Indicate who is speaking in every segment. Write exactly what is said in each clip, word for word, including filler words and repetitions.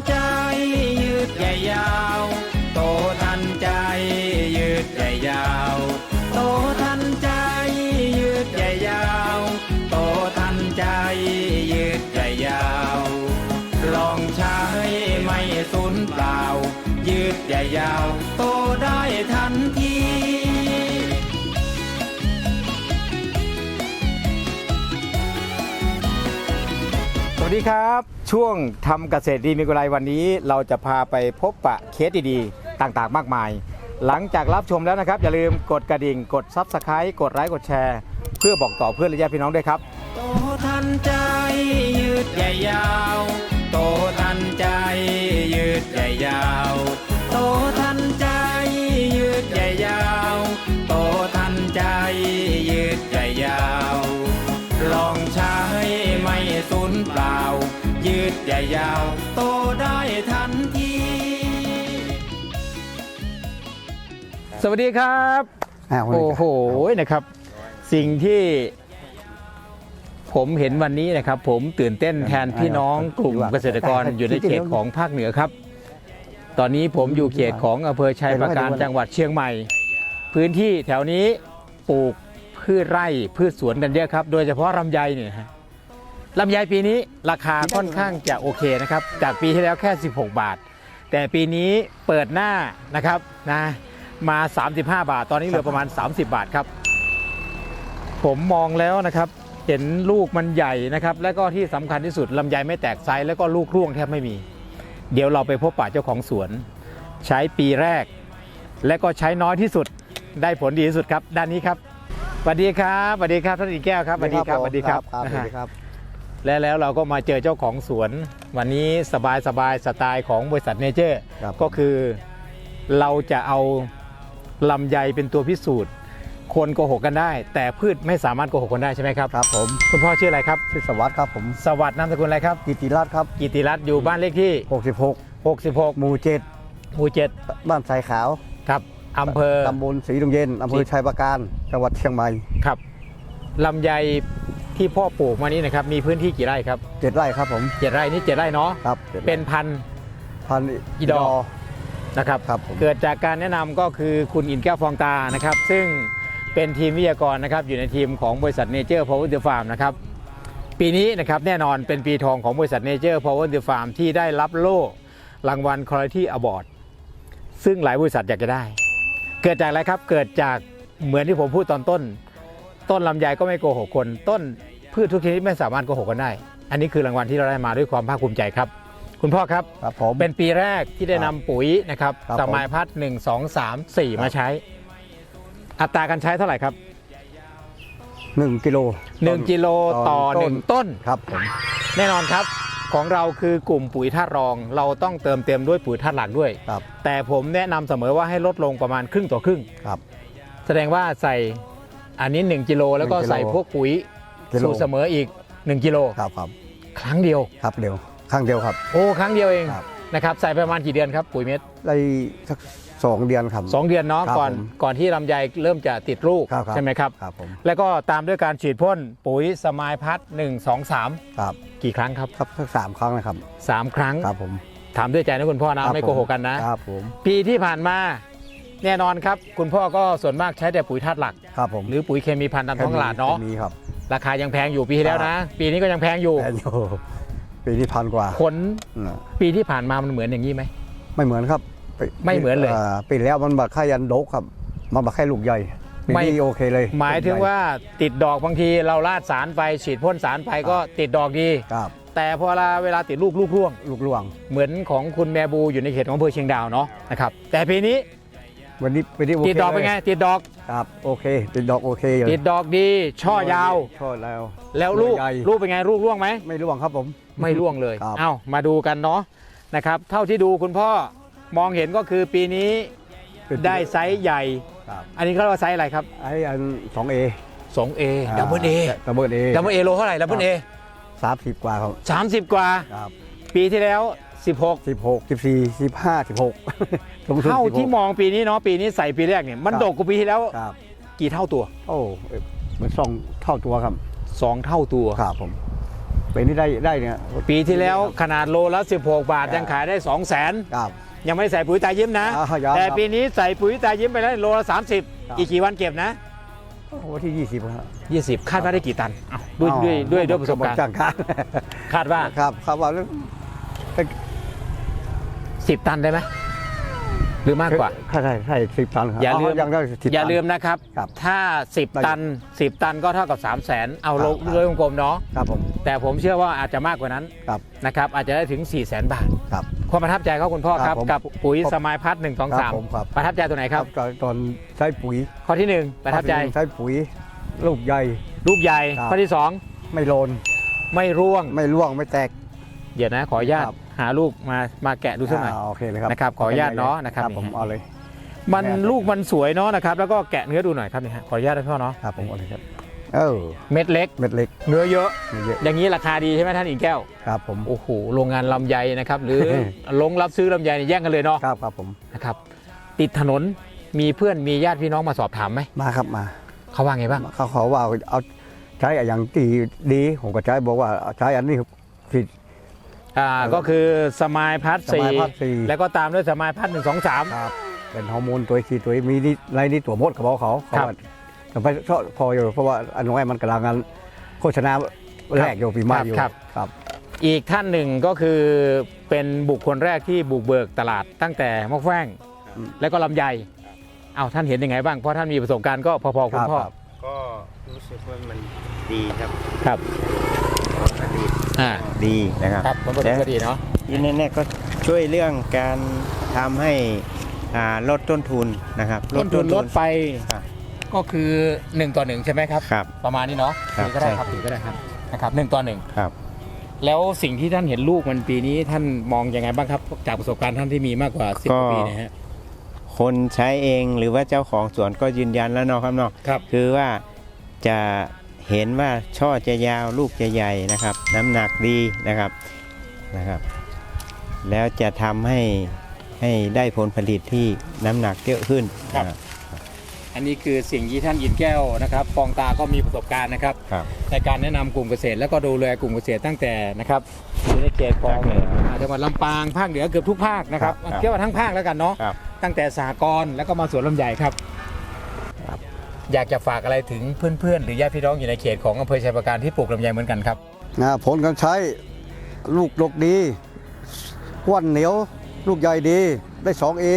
Speaker 1: ใจยืดใหญ่ยาวโตทันใจยืดใหญ่ยาวโตทันใจยืดใหญ่ยาวโตทันใจยืดใหญ่ยาวลองใช้ไม่สูญเปล่ายืดใหญ่ยาวโตได้ทันทีสวัสดีครับช่วงทำเกษตรดีมีกำไรวันนี้เราจะพาไปพบปะเคสดีๆต่างๆมากมายหลังจากรับชมแล้วนะครับอย่าลืมกดกระดิ่งกดซับสไครต์กดไลค์กดแชร์เพื่อบอกต่อเพื่อนและญาติพี่น้องด้วยครับโตทันใจยืดใหญ่ยาวโตทันใจยืดใหญ่ยาวโตทันใจยืดใหญ่ยาวโตทันใจยืดใหญ่ยาวลองใช้ไม่สูญเปล่ายืดใหญ่ยาวโตได้ทันทีสวัสดีครับโอ้โหนะครับสิ่งที่ผมเห็นวันนี้นะครับผมตื่นเต้นแทนพี่น้องกลุ่มเกษตรกรอยู่ในเขตของภาคเหนือครับตอนนี้ผมอยู่เขตของอำเภอชัยปราการจังหวัดเชียงใหม่พื้นที่แถวนี้ปลูกพืชไร่พืชสวนกันเยอะครับโดยเฉพาะลำไยเนี่ยฮะลำไยปีนี้ราคาค่อนข้างจะโอเคนะครับจากปีที่แล้วแค่สิบหกบาทแต่ปีนี้เปิดหน้านะครับนะมาสามสิบห้าบาทตอนนี้เหลือประมาณสามสิบบาทครับผมมองแล้วนะครับเห็นลูกมันใหญ่นะครับและก็ที่สำคัญที่สุดลำไยไม่แตกไซส์แล้วก็ลูกร่วงแทบไม่มีเดี๋ยวเราไปพบปะเจ้าของสวนใช้ปีแรกและก็ใช้น้อยที่สุดได้ผลดีที่สุดครับด้านนี้ครับสวัสดีครับสวัสดีครับท่านอีแก้วครับสวัสดีครับสวัสดีครับสวัสดีครับและแล้วเราก็มาเจอเจ้าของสวนวันนี้สบายสบายสไตล์ของบริษัทเนเจอร์ก็คือเราจะเอาลำไยเป็นตัวพิสูจน์คนโกหกกันได้แต่พืชไม่สามารถโกหกคนได้ใช่ไหมครับครับผมคุณพ่อชื่ออะไรครับ
Speaker 2: ชื่อสวัสดิ์ครับผม
Speaker 1: สวัสดิ์นามสกุลอะไรครับ
Speaker 2: กิติรัตน์ครับ
Speaker 1: กิติรัตน์อยู่บ้านเลขที่
Speaker 2: หกสิบหก
Speaker 1: หกสิบหก
Speaker 2: หมู่เจ็ด
Speaker 1: หมู่เจ็ด
Speaker 2: บ้านทรายขาว
Speaker 1: ครับอำเภอ
Speaker 2: ตำบลศรีดงเย็นอำเภอชัยปราการจังหวัดเชียงใหม่
Speaker 1: ครับลำไยที่พ่อปลูกมานี้นะครับมีพื้นที่กี่ไร่ครับ
Speaker 2: เจ็ดไร่ครับผม
Speaker 1: เจ็ดไร่นี่เจ็ดไร่เนาะ
Speaker 2: ครับ
Speaker 1: เป็นพัน
Speaker 2: พัน
Speaker 1: อีดอนะครับเกิดจากการแนะนำก็คือคุณอินแก้วฟองตานะครับซึ่งเป็นทีมวิทยากรนะครับอยู่ในทีมของบริษัทเนเจอร์พาวเวอร์เดอะฟาร์มนะครับปีนี้นะครับแน่นอนเป็นปีทองของบริษัทเนเจอร์พาวเวอร์เดอะฟาร์มที่ได้รับโล่รางวัล Quality Award ซึ่งหลายบริษัทอยากจะได้เกิดจากอะไรครับเกิดจากเหมือนที่ผมพูดตอนต้นต้นลำไยก็ไม่โกหกคนต้นพืชทุกชนิดไม่สามารถโกหกกันได้อันนี้คือรางวัลที่เราได้มาด้วยความภาคภูมิใจครับคุณพ่อครับเป็นปีแรกที่ได้นำปุ๋ยนะครับสมัยพัดหนึ่งสองสามสี่มาใช้อัตราการใช้เท่าไหร่ครับ
Speaker 2: หนึ่งกิโล
Speaker 1: หนึ่งกิโลต่อหนึ่งต้น
Speaker 2: ครับผม
Speaker 1: แน่นอนครับของเราคือกลุ่มปุ๋ยธาตุรองเราต้องเติมเต็มด้วยปุ๋ยธาตุหลักด้วยแต่ผมแนะนำเสมอว่าให้ลดลงประมาณครึ่งต่อครึ่ง
Speaker 2: ครับ
Speaker 1: แสดงว่าใส่อันนี้หนึ่งกิโลแล้วก็ใส่พวกปุ๋ยสูตรเสมออีกหนึ่งกิโล
Speaker 2: ครับครับ
Speaker 1: ครั้งเดียว
Speaker 2: ครับเดียวครั้งเดียวครับ
Speaker 1: โอ้ครั้งเดียวเองนะครับใส่ประมาณกี่เดือนครับปุ๋ยเม็ด
Speaker 2: ได้สักสองเดือนครับ
Speaker 1: สองเดือนเนาะก่อนก่อนที่ลำไยเริ่มจะติดลูกใช่ไหมครับ
Speaker 2: ครับผม
Speaker 1: แล้วก็ตามด้วยการฉีดพ่นปุ๋ยสมายพัดหนึ่งสองสาม
Speaker 2: ครับ
Speaker 1: กี่ครั้งครับ
Speaker 2: ครับสักสามครั้งนะครับ
Speaker 1: สามครั้ง
Speaker 2: ครับผม
Speaker 1: ถามด้วยใจนะคุณพ่อนะไม่โกหกกันนะครับ
Speaker 2: ผม
Speaker 1: ปีที่ผ่านมาแน่นอนครับคุณพ่อก็ส่วนมากใช้แต่ปุ๋ยธาตุหลัก
Speaker 2: ครับผม
Speaker 1: หรือปุ๋ยเคมีพันธุ์ตามท้องตลาดเนาะ
Speaker 2: มีครับ
Speaker 1: ราคายังแพงอยู่ปีที่แล้วนะปีนี้ก็ยังแพงอยู่
Speaker 2: แพงอยู่ปีนี้พันกว่า
Speaker 1: ผลปีที่ผ่านมามันเหมือนอย่างนี้ไหม
Speaker 2: ไม่เหมือนครับ
Speaker 1: ไม่เหมือนเลย
Speaker 2: ปีแล้วมันบักไข่ยันโดกครับมันบักไข่ลูกใหญ่ไม่โอเคเลย
Speaker 1: หมายถึงว่าติดดอกบางทีเราลาดสารไปฉีดพ่นสารไปก็ติดดอกดี
Speaker 2: ครับ
Speaker 1: แต่พอเวลาเวลาติดลูกลูกร่วง
Speaker 2: ลูกร่วง
Speaker 1: เหมือนของคุณแมบูอยู่ในเขตของอำเภอเชียงดาวเนาะนะครับแต่ปีนี้
Speaker 2: วันนี้ปีนี้
Speaker 1: ติดดอกเป็นไงติดดอก
Speaker 2: ครับโอเคติดดอกโอเค
Speaker 1: ติดดอกดีช่อยาว
Speaker 2: ช่อแล้ว
Speaker 1: แล้วลูกลูกเป็นไงลูกร่วงไหม
Speaker 2: ไม่ร่วงครับผม
Speaker 1: ไม่ร่วงเลยเอ้ามาดูกันเนาะนะครับเท่าที่ดูคุณพ่อมองเห็นก็คือปีนี้ได้ไซส์ใหญ่อันนี้เขาเรียกว่าไซส์อะไรครับ
Speaker 2: ไอ้อันสองเอ
Speaker 1: สองเอดับเบิลเอ
Speaker 2: ดับเบิลเอ
Speaker 1: ดับเบิลเอโลเท่าไหร่ดับเบิลเอ
Speaker 2: สามสิบกว่าครับ
Speaker 1: สามสิบกว่าปีที่แล้วสิบหก
Speaker 2: สิบหก สิบสี่ สิบห้า สิบหก
Speaker 1: เท่าที่มองปีนี้เนาะปีนี้ใส่ปีแรกเนี่ยมันดกกว่าปีที่แล้วกี่เท่าตัว
Speaker 2: โอ้มันสองเท่าตัวครับ
Speaker 1: สองเท่าตัว
Speaker 2: ครับผมปีนี้ได้ได้เนี่ย
Speaker 1: ปีที่แล้วขนาดโลละสิบหกบาทยังขายได้สองแสน
Speaker 2: ครับ
Speaker 1: ยังไม่ได้ใส่ปุ๋ยตายิ้มนะ
Speaker 2: อ่ายัง
Speaker 1: แต่
Speaker 2: ครับ
Speaker 1: ปีนี้ใส่ปุ๋ยตายิ้มไปแล้วโลละสามสิบ
Speaker 2: ครับ
Speaker 1: อีกกี่วันเก็บนะ
Speaker 2: วันที่ยี่สิบครับ
Speaker 1: ยี่สิบคาดว่าได้กี่ตันอ้าวด้วยด้วยด้วยด้วยประสบการณ์
Speaker 2: จ้างการ
Speaker 1: คาดว่า
Speaker 2: ครับครับว่าแล้ว
Speaker 1: สิบตันได้ไหมหรือมากกว่า
Speaker 2: ใช่ใช่ใช่สิบตันครับ
Speaker 1: อย่าลืม
Speaker 2: ยังได้สิบ
Speaker 1: อย่า
Speaker 2: ตัน
Speaker 1: ลืมนะครับ
Speaker 2: ครับ
Speaker 1: ถ้าสิบ
Speaker 2: ได้
Speaker 1: ตันสิบตันก็เท่ากับสามแสนเอาลง
Speaker 2: ครับ
Speaker 1: โดยกลมๆเนาะ
Speaker 2: ครับผม
Speaker 1: แต่ผมเชื่อว่าอาจจะมากกว่านั้น
Speaker 2: ครับ
Speaker 1: นะครับอาจจะได้ถึงสี่แสนบาท
Speaker 2: ครับ
Speaker 1: ความประทับใจเขาคุณพ่อค
Speaker 2: ครั
Speaker 1: รับบ
Speaker 2: ผม
Speaker 1: กับปุ๋ย
Speaker 2: ครับ
Speaker 1: สมายพัฒน์หนึ่งสอง
Speaker 2: ครั
Speaker 1: สาม
Speaker 2: บผมครับ
Speaker 1: ประทับใจตัวไหนครับ
Speaker 2: ตอนตอนใช้ปุ๋ย
Speaker 1: ข้อที่หนึ่งประทับใจ
Speaker 2: ใช้ปุ๋ยลูกใหญ่
Speaker 1: ลูกใหญ่
Speaker 2: ครับ
Speaker 1: ข้อที่สอง
Speaker 2: ไม่โลน
Speaker 1: ไม่ร่วง
Speaker 2: ไม่ร่วงไม่แตก
Speaker 1: เดี๋ยวนะขออนุญาต
Speaker 2: ครับ
Speaker 1: หาลูกมามาแกะดูสักหน่อย
Speaker 2: าโอเคเลยครับ
Speaker 1: นะครับขออนุญาตเนาะนะครับ
Speaker 2: ผมเอาเลย
Speaker 1: มัน
Speaker 2: แกะ
Speaker 1: ลูกมันสวยเนาะนะครับแล้วก็แกะเนื้อดูหน่อยครับนี่ฮะขออนุญาตนะพ่อเนาะ
Speaker 2: ครับผมเอาเลยครับเออ
Speaker 1: เม็ดเล็ก
Speaker 2: เม็ดเล็ก
Speaker 1: เนื้อเยอะ
Speaker 2: มีเยอะ
Speaker 1: อย่างนี้ราคาดีใช่ไหมท่านอิงแก้ว
Speaker 2: ครับผม
Speaker 1: โอ้โหโรงงานลำไยนะครับ หรือ ลงรับซื้อลำไยเนี่ยแย่งกันเลยเนาะ
Speaker 2: ครับครับผม
Speaker 1: นะครับติดถนนมีเพื่อนมีญาติพี่น้องมาสอบถามไหม
Speaker 2: มาครับมา
Speaker 1: เขาว่าไงบ้าง
Speaker 2: เขาขอว่าเอาใช้อย่างที่ดีผมก็ใช้บอกว่าใช้อันนี้ผิด
Speaker 1: อ่าก็คือสมายพัฒน์
Speaker 2: ส
Speaker 1: สี่
Speaker 2: มายพัฒน์สี่
Speaker 1: แล้วก็ตามด้วยสมายพัฒน์หนึ่งสองสาม
Speaker 2: ครับเป็นฮอร์โมนตัวที่ตัวมีนี่ในนี่ตัวมดเขาบอกเขาเขา
Speaker 1: ครับ
Speaker 2: ว่าแต่ไปชอบพออยู่เพราะว่าอันน้อยมันกำลังงานโฆษณาแรกอยู่ปีใหม่อยู่
Speaker 1: ครับ
Speaker 2: ครับ
Speaker 1: อีกท่านหนึ่งก็คือเป็นบุคคลแรกที่บุกเบิกตลาดตั้งแต่มะแฟ้ง
Speaker 2: อืม
Speaker 1: แล้วก็ลำไยเอาท่านเห็นยังไงบ้างเพราะท่านมีประสบการณ์ก็พอๆคุณพ่อ
Speaker 2: ครับ
Speaker 3: ก็รู้สึกว่ามันดีครับ
Speaker 1: ครับ
Speaker 3: ผลิต
Speaker 1: อ่า
Speaker 3: ดีนะครับ
Speaker 1: ครับมันเป็นก็ดีเนาะ
Speaker 3: ยินแน่ๆก็ช่วยเรื่องการทำให้อ่าลดต้นทุนนะครับ
Speaker 1: ต้นทุนลดไป
Speaker 3: ครับ
Speaker 1: ก็คือหนึ่งต่อหนึ่งใช่ไหมครับ
Speaker 3: ครับ
Speaker 1: ประมาณนี้เนาะ
Speaker 3: ครับ
Speaker 1: ถือก็ได้ครับ
Speaker 3: ใช่
Speaker 1: ถือก็ได้ครับนะครับหนึ่งต่อหนึ่ง
Speaker 3: ครับ
Speaker 1: แล้วสิ่งที่ท่านเห็นลูกมันปีนี้ท่านมองยังไงบ้างครับ จากประสบการณ์ท่านที่มีมากกว่าสิบ
Speaker 3: ก็
Speaker 1: ปีนะฮะ
Speaker 3: คนใช้เองหรือว่าเจ้าของสวนก็ยืนยันแล้วเนาะครับเนาะ
Speaker 1: ครับ
Speaker 3: คือว่าจะเห็นว่าช่อจะยาวลูกจะใหญ่นะครับ น้ำหนักดีนะครับนะครับ แล้วจะทำให้ให้ได้ผลผลิตที่น้ำหนักเยอะขึ้น
Speaker 1: ครับ
Speaker 3: นะ
Speaker 1: อันนี้คือสิ่งที่ท่านยินแก้วนะครับฟองตาก็มีประสบการณ์นะครับ
Speaker 3: ครับ
Speaker 1: ในการแนะนำกลุ่มเกษตรแล้วก็ดูแลกลุ่มเกษตรตั้งแต่นะครับอยู่ในเขตของ
Speaker 3: ภาคเหนือ
Speaker 1: จังหวัดลำปางภาคเหนือเกือบทุกภาคนะครับ
Speaker 3: ครับครับ
Speaker 1: เรียกว่าทั้งภาคแล้วกันเนาะ
Speaker 3: ครับ
Speaker 1: ตั้งแต่สหกรณ์แล้วก็มาสวนลำไยครับ อยากจะฝากอะไรถึงเพื่อนๆ หรือญาติพี่น้องอยู่ในเขตของอำเภอชัยปราการที่ปลูกลำไยเหมือนกันครับ
Speaker 2: นะผลการใช้ลูกดกดีก้วนเหนียว ลูกใหญ่ดีได้สองเอ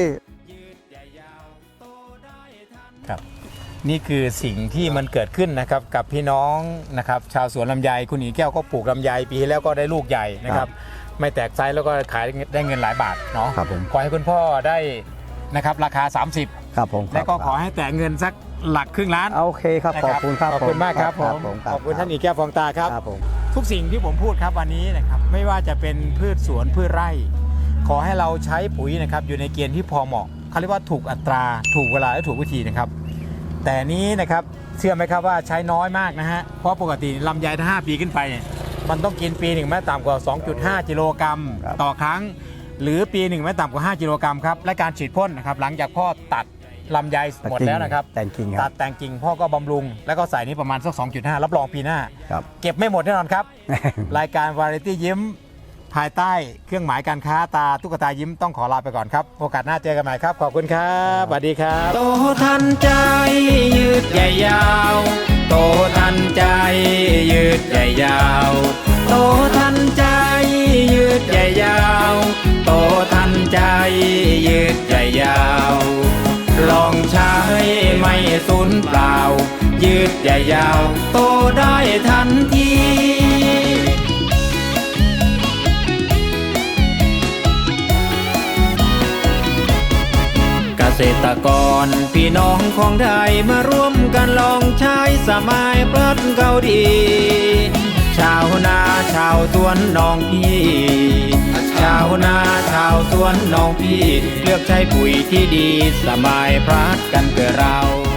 Speaker 1: ครับนี่คือสิ่งที่มันเกิดขึ้นนะครับกับพี่น้องนะครับชาวสวนลำไยคุณหญิงแก้วก็ปลูกลำไยปีที่แล้วก็ได้ลูกใหญ่นะครับไม่แตกไซส์แล้วก็ขายได้เงินหลายบาทเนาะ
Speaker 2: ครับผม
Speaker 1: ขอให้คุณพ่อได้นะครับราคา สามสิบ
Speaker 2: ครับผม
Speaker 1: และก็ขอให้แตะเงินสักหลักครึ่งล้าน
Speaker 2: โอเคครับ
Speaker 1: นะ
Speaker 2: ขอบคุณครับ
Speaker 1: ขอบคุณมากครับผม
Speaker 2: ผม
Speaker 1: ขอบคุณท่านหญิงแก้วฟองตาครับ
Speaker 2: ครับผม
Speaker 1: ทุกสิ่งที่ผมพูดครับวันนี้นะครับไม่ว่าจะเป็นพืชสวนพืชไร่ ขอให้เราใช้ปุ๋ยนะครับอยู่ในเกณฑ์ที่พอเหมาะเขาเรียกว่าถูกอัตราถูกเวลาและถูกวิธีนะครับ แต่นี้นะครับเชื่อไหมครับว่าใช้น้อยมากนะฮะเพราะปกติลำไยถ้าห้าปีขึ้นไปเนี่ยมันต้องกินปีหนึ่งไม่ต่ำกว่า สองจุดห้า กิโลกรัม
Speaker 2: ครับ
Speaker 1: ต่อครั้ง หรือปีหนึ่งไม่ต่ำกว่า ห้า กิโลกรัมครับและการฉีดพ่นนะครับหลังจากพ่อตัดลำไยหมดแล้วนะครับ
Speaker 2: แต่งกิ่งค
Speaker 1: ตั
Speaker 2: รั
Speaker 1: ด
Speaker 2: บ
Speaker 1: แต่งกิ่งพ่อก็บำรุง แล้วก็ใส่นี้ประมาณสัก สองจุดห้า รับรองปีหน้า
Speaker 2: ครับ
Speaker 1: เก็บไม่หมดแน่นอนครับ รายการวาไรตี้ยิ้มภายใต้เครื่องหมายการค้าตาตุ๊กตายิ้มต้องขอลาไปก่อนครับ โอกาสหน้าเจอกันใหม่ครับ ขอบคุณครับสวัสดีครับ
Speaker 4: โตทันใจยืดใหญ่ยาว โตทันใจยืดใหญ่ยาว โตทันใจยืดใหญ่ยาว โตทันใจยืดใหญ่ยาว ลองใช้ไม่สูญเปล่า ยืดใหญ่ยาว โตได้ทันที เกษตรกรพี่น้องของไทยมาร่วมกันลองใช้สมัยพลัดเกาดี ชาวนาชาวสวนน้องพี่ ชาวนาชาวสวนน้องพี่ เลือกใช้ปุ๋ยที่ดีสมัยพลัดกันเกิดเรา